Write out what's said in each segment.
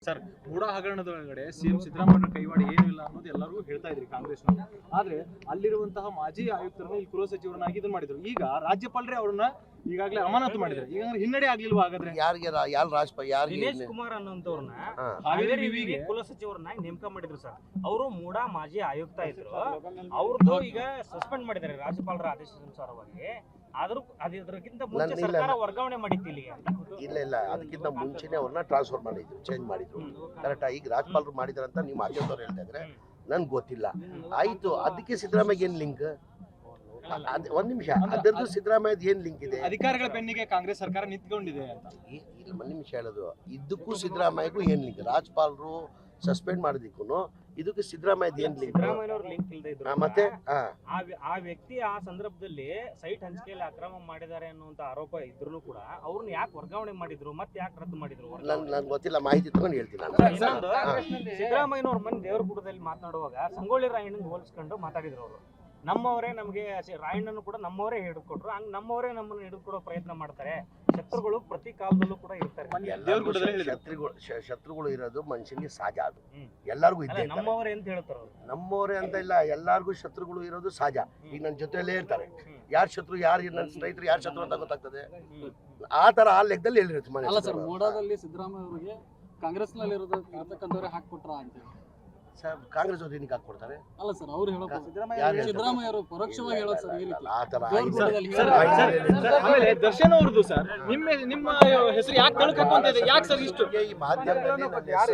Sir, ಮೂಡ ಹಗರಣದ ಒಳಗಡೆ CM Siddaramaiah ಕೈವಾಡ ಏನೂ ಇಲ್ಲ ಅನ್ನೋದು ಎಲ್ಲರೂ ಹೇಳ್ತಾ ಇದ್ರಿ ಕಾಂಗ್ರೆಸ್ನವರು. ಆದ್ರೆ ಅಲ್ಲಿರುವಂತಹ ಮಾಜಿ ಆಯುಕ್ತರನ್ನ ಇಲ್ಲಿ ಗೃಹ ಸಚಿವರನ್ನಾಗಿ ಇದನ್ನ ಮಾಡಿದ್ರು. ಈಗ ರಾಜ್ಯಪಾಲರೇ ಅವ್ರನ್ನ ಈಗಾಗಲೇ ಅಮಾನತು ಮಾಡಿದ್ರು. ಈಗ ಹಿನ್ನಡೆ ಆಗ್ಲಿಲ್ವಾ ಹಾಗಾದ್ರೆ? ದಿನೇಶ್ ಕುಮಾರ್ ಅನ್ನೋಂತವ್ರನ್ನ ಹಾವೇರಿ ವಿವಿಗೆ ಕುಲ ಸಚಿವರನ್ನಾಗಿ ನೇಮಕ ಮಾಡಿದ್ರು ಸರ್. ಅವರು ಮೂಡ ಮಾಜಿ ಆಯುಕ್ತ ಇದ್ರು. ಅವ್ರದ್ದು ಈಗ ಸಸ್ಪೆಂಡ್ ಮಾಡಿದ್ದಾರೆ ರಾಜ್ಯಪಾಲರ ಆದೇಶಾನುಸಾರವಾಗಿ. ಆದ್ರೂ ಅದಕ್ಕಿಂತ ಮುಂಚೆ ಸರ್ಕಾರ ವರ್ಗಾವಣೆ ಮಾಡಿತ್ತು ಇಲ್ಲಿಗೆ. ಇಲ್ಲ ಅದಕ್ಕಿಂತ ಮುಂಚೆನೆ ಅವ್ರನ್ನ ಟ್ರಾನ್ಸ್ಫರ್ ಮಾಡಿದ್ರು, ಚೇಂಜ್ ಮಾಡಿದ್ರು. ಕರೆಕ್ಟಾ? ಈಗ ರಾಜ್ಯಪಾಲರು ಮಾಡಿದಾರಂತ ನೀವು ಮಾಧ್ಯಮದವ್ರು ಹೇಳ್ತಾ ಇದ್ರೆ ನನ್ಗೆ ಗೊತ್ತಿಲ್ಲ. ಆಯ್ತು, ಅದಕ್ಕೆ ಸಿದ್ದರಾಮಯ್ಯ ಏನ್ ಲಿಂಕ್? ಒಂದ್ ನಿಮಿಷ, ಅದರದ್ದು ಸಿದ್ದರಾಮಯ್ಯದ ಏನ್ ಲಿಂಕ್ ಇದೆ? ಅಧಿಕಾರಿಗಳ ಬೆನ್ನಿಗೆ ಕಾಂಗ್ರೆಸ್ ಸರ್ಕಾರ ನಿಂತ್ಕೊಂಡಿದೆ ಅಂತ. ಇಲ್ಲ, ಒಂದ್ ನಿಮಿಷ ಹೇಳೋದು, ಇದಕ್ಕೂ ಸಿದ್ದರಾಮಯ್ಯಗೂ ಏನ್ ಲಿಂಕ್? ರಾಜ್ಯಪಾಲರು ಸಸ್ಪೆಂಡ್ ಮಾಡೋದಕ್ಕೂ ಇದಕ್ಕೆ ಸಿದ್ದರಾಮಯ್ಯದ ಏನ್ ಲಿಂಕ್? ಸಿದ್ದರಾಮಯ್ಯನವ್ರ ಲಿಂಕ್ ಇಲ್ಲದೆ ಇದ್ರು ಮತ್ತೆ ಆ ವ್ಯಕ್ತಿ ಆ ಸಂದರ್ಭದಲ್ಲಿ ಸೈಟ್ ಹಂಚಿಕೆಯಲ್ಲಿ ಅಕ್ರಮ ಮಾಡಿದ್ದಾರೆ ಅನ್ನುವಂತ ಆರೋಪ ಇದ್ರು ಕೂಡ ಅವ್ರನ್ನ ಯಾಕೆ ವರ್ಗಾವಣೆ ಮಾಡಿದ್ರು, ಮತ್ತೆ ಯಾಕೆ ರದ್ದು ಮಾಡಿದ್ರು? ನನ್ಗೆ ಗೊತ್ತಿಲ್ಲ, ಮಾಹಿತಿ ತಗೊಂಡು ಹೇಳ್ತೀನಿ ನಾನು. ಸಿದ್ದರಾಮಯ್ಯನವ್ರ ಮನೆ ದೇವರಗುಡದಲ್ಲಿ ಮಾತನಾಡುವಾಗ ಸಂಗೊಳ್ಳಿ ರಾಯಣ್ಣನ ಹೋಲಿಸ್ಕೊಂಡು ಮಾತಾಡಿದ್ರು ಅವರು. ನಮ್ಮವರೇ ನಮಗೆ ರಾಯಣ್ಣನು ಕೂಡ ನಮ್ಮವರೇ ಹಿಡಿದುಕೊಟ್ರು, ಹಂಗ ನಮ್ಮವರೇ ನಮ್ಮನ್ನು ಹಿಡಿದುಕೊಡೋ ಪ್ರಯತ್ನ ಮಾಡ್ತಾರೆ. ಶತ್ರುಗಳು ಪ್ರತಿ ಕಾಲದಲ್ಲೂ ಕೂಡ ಇರ್ತಾರೆ. ಶತ್ರುಗಳು ಇರೋದು ಮನುಷ್ಯನಿಗೆ ಸಹಜ, ಅದು ಎಲ್ಲರಿಗೂ ಇದ್ದೇ. ನಮ್ಮವರೇ ಅಂತ ಹೇಳ್ತಾರ, ನಮ್ಮವರೇ ಅಂತ ಇಲ್ಲ, ಎಲ್ಲಾರ್ಗು ಶತ್ರುಗಳು ಇರೋದು ಸಹಜ. ಈಗ ನನ್ನ ಜೊತೆಯಲ್ಲೇ ಇರ್ತಾರೆ, ಯಾರ್ ಶತ್ರು ಯಾರು, ನನ್ನ ಸ್ನೇಹಿತರು ಯಾರು ಶತ್ರು ಅಂತ ಗೊತ್ತಾಗ್ತದೆ. ಆ ತರ ಆ ಲೆಕ್ಕದಲ್ಲಿ ಹೇಳಿರುತ್ತೆ. ಅಲ್ಲ ಸರ್, ಮೂಡಾದಲ್ಲಿ ಸಿದ್ದರಾಮಯ್ಯ ಅವರಿಗೆ ಕಾಂಗ್ರೆಸ್ ನಲ್ಲಿ ಇರತಕ್ಕಂಥವ್ರೆ ಹಾಕ್ಕೊಟ್ರ ಅಂತ ಸರ್, ಕಾಂಗ್ರೆಸ್ ಅವ್ರು ಏನಕ್ಕೆ ಹಾಕ್ಕೊಡ್ತಾರೆ? ಅಲ್ಲ ಸರ್, ಅವ್ರು ಹೇಳೋ ಸಿದ್ದರಾಮಯ್ಯ ಅವರು ಪರೋಕ್ಷವಾಗಿ ಹೇಳೋದು ಸರ್. ಈ ರೀತಿ ಆ ತರ ಆಮೇಲೆ ದರ್ಶನ್ ಅವ್ರದ್ದು ಸರ್, ನಿಮ್ಮ ಹೆಸರು ಯಾಕೆ ತಳ್ಕಕ್ಕೆ ಅಂತ ಇದೆ? ಯಾಕೆ ಸರ್ ಇಷ್ಟು ಈ ಮಾಧ್ಯಮದಲ್ಲಿ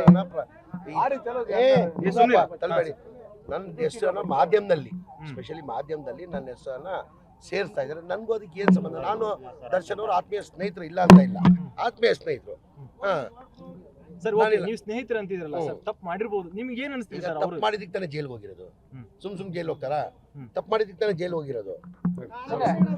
ನನ್ನ ಹೆಸರನ್ನ ಮಾಧ್ಯಮದಲ್ಲಿ, ಸ್ಪೆಷಲಿ ಮಾಧ್ಯಮದಲ್ಲಿ ನನ್ನ ಹೆಸರನ್ನ ಸೇರಿಸ್ತಾ ಇದ್ದಾರೆ. ನನ್ಗೂ ಅದಕ್ಕೆ ಏನ್ ಸಂಬಂಧ? ನಾನು ದರ್ಶನ್ ಅವರು ಆತ್ಮೀಯ ಸ್ನೇಹಿತರು, ಇಲ್ಲ ಅಂತ ಇಲ್ಲ, ಆತ್ಮೀಯ ಸ್ನೇಹಿತರು. ಸರ್, ನೀವು ಸ್ನೇಹಿತರು ಅಂತಿದ್ರಲ್ಲ ಸರ್, ತಪ್ಪು ಮಾಡಿರ್ಬೋದು. ನಿಮ್ಗೆ ಏನ್ ಅನಿಸ್ತಿದೆ ಸರ್? ತಪ್ಪು ಮಾಡಿದಕ್ಕೆ ತಾನೇ ಜೈಲ್ಗೆ ಹೋಗಿರೋದು, ಸುಮ್ ಜೈಲ್ ಹೋಗ್ತಾರಾ? ತಪ್ಪು ಮಾಡಿದಕ್ಕೆ ತಾನೇ ಜೈಲ್ ಹೋಗಿರೋದು.